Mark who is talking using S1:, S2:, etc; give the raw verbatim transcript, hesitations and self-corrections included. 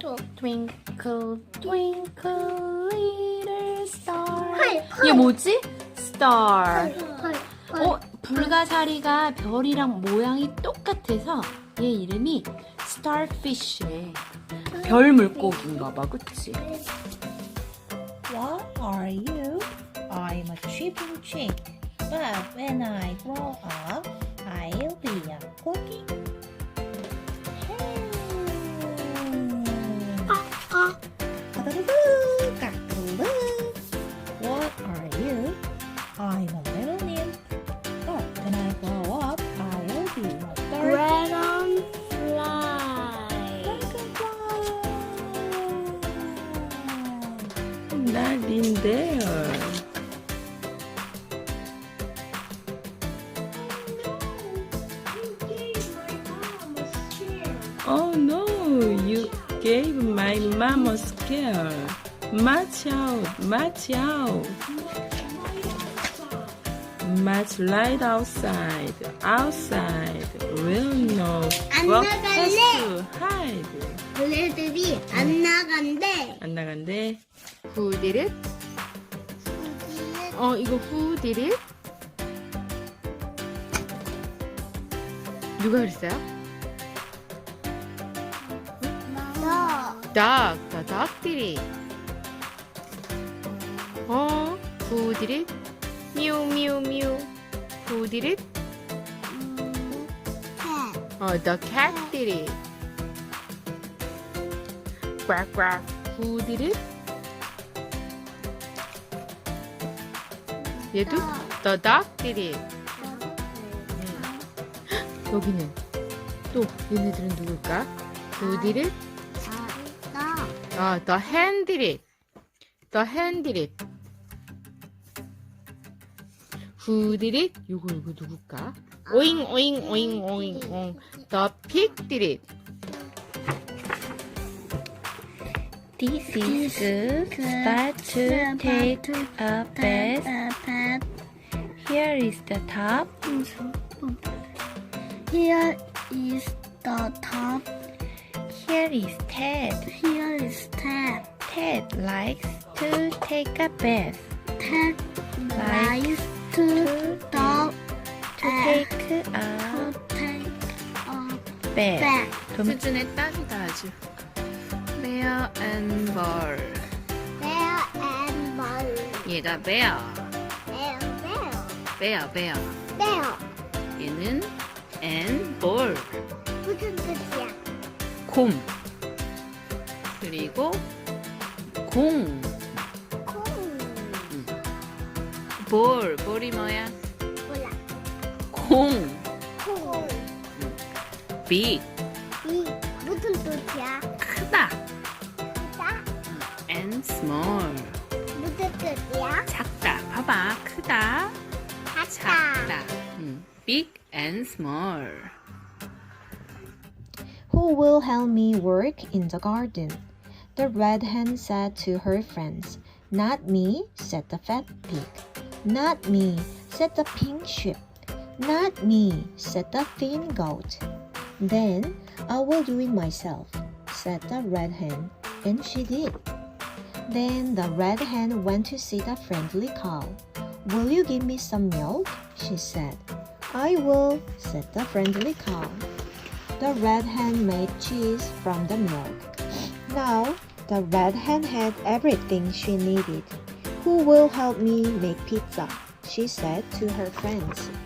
S1: Twinkle, twinkle, little star.
S2: 헐, 헐.
S1: 이게 뭐지? Star.
S2: 헐, 헐.
S1: 어, 불가사리가 별이랑 모양이 똑같아서 얘 이름이 Starfish래. 별 물고기인가 봐, 그치?
S3: What are you? I'm a chipping chick, but when I grow up, I'll be a cookie.
S2: 아,
S3: 까다르르, 까다르르. What are you? I'm a little nymph, but when I grow up, I'll be a star.
S2: dragonfly.
S1: 날인데요. Oh no, you gave my mom a scare. March out, march out. March right outside, outside. Will no
S2: 안
S1: walk
S2: 나갈래.
S1: to hide.
S2: 얘네들이 안 나간대.
S1: 안 나간대. Who did it? 어, 이거 who did it? 누가 그랬어요?
S2: 너.
S1: Dog, the dog did it. 어, who did it? Mew, mew, mew. Who did it? 어, the cat did it. Quack, quack. Who did it? 얘도 the dog did it. 여기는 또 얘네들은 누굴까? Who did it?
S2: 너.
S1: 아, the hen did it. The hen did it. Who did it? 이거 이거 누굴까? 오잉 오잉 오잉 오잉 옹. The pig did it. This is good. Start to take a bath. Here is the top.
S2: Here is the top.
S1: Here is Ted.
S2: Here is Ted.
S1: Ted likes to take a bath.
S2: Ted
S1: Like
S2: likes to the
S1: To take a
S2: to take a
S1: bath.
S2: bath.
S1: 수준의 딱이다 아주. Bear and ball.
S2: Bear and ball.
S1: 얘가 bear.
S2: Bear, bear,
S1: bear, bear.
S2: bear.
S1: 얘는 and ball.
S2: 무슨 뜻이야?
S1: 곰. 그리고 공.
S2: 콩.
S1: 볼. 볼이 뭐야?
S2: 몰라.
S1: 공.
S2: 콩.
S1: big.
S2: 이 무슨 뜻이야?
S1: 크다.
S2: 크다?
S1: and small.
S2: 무슨 뜻이야?
S1: 작다. 봐봐. 크다.
S2: 작다.
S1: 작다. 음, big and small.
S4: Who will help me work in the garden? The red hen said to her friends. Not me, said the fat pig. Not me, said the pink sheep. Not me, said the thin goat. Then I will do it myself, said the red hen, and she did. Then the red hen went to see the friendly cow. Will you give me some milk? She said. I will, said the friendly cow. The red hen made cheese from the milk. Now, the red hen had everything she needed. Who will help me make pizza? She said to her friends.